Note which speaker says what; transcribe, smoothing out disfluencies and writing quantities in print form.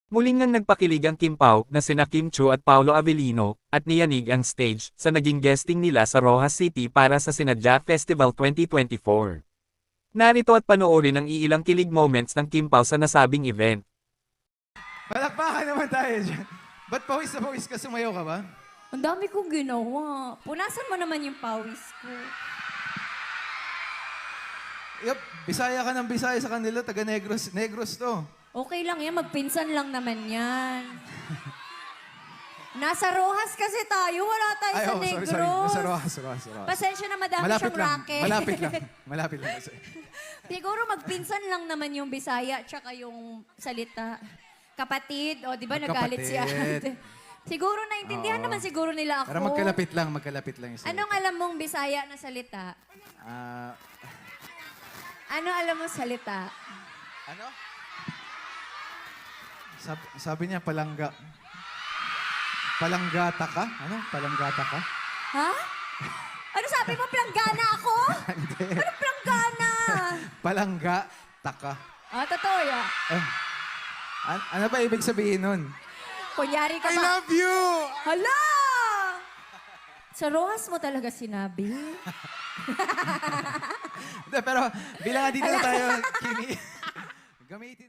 Speaker 1: Muling ngang nagpakilig ang Kim Pao na sina Kim Chu at Paolo Avellino, at niyanig ang stage sa naging guesting nila sa Rojas City para sa Sinadya Festival 2024. Narito at panoorin ang iilang kilig moments ng Kim Pao sa nasabing event.
Speaker 2: Palakpakan naman tayo dyan. Ba't pawis na pawis ka? Sumayaw ka ba?
Speaker 3: Ang dami kong ginawa. Punasan mo naman yung pawis ko.
Speaker 2: Yup, Bisaya ka ng Bisaya sa kanila. Taga Negros. Negros to.
Speaker 3: Okay lang yan, magpinsan lang naman yan. Nasa Rojas kasi tayo, wala tayo sa Negros.
Speaker 2: Sorry. Nasa Rojas.
Speaker 3: Pasensya na madami
Speaker 2: Malapit
Speaker 3: siyang
Speaker 2: lang.
Speaker 3: racket.
Speaker 2: Malapit lang.
Speaker 3: Siguro magpinsan lang naman yung Bisaya tsaka yung salita. Kapatid, o di ba nagalit si ate. Siguro naintindihan naman siguro nila ako.
Speaker 2: Pero magkalapit lang. Yung salita.
Speaker 3: Anong alam mong Bisaya na salita? Ano alam mong salita?
Speaker 2: Ano? Sabi niya, palanggata ka? Ano? Palanggata ka?
Speaker 3: Ha? Ano sabi mo? Planggana ako? Ano planggana?
Speaker 2: Palanggata ka.
Speaker 3: Totoo yan.
Speaker 2: Ano ba ibig sabihin nun?
Speaker 3: Kunyari ka
Speaker 2: I
Speaker 3: ba?
Speaker 2: love you!
Speaker 3: Hala! Sa Rojas mo talaga sinabi?
Speaker 2: Pero bilang nga dito na tayo, Kimi, gamitin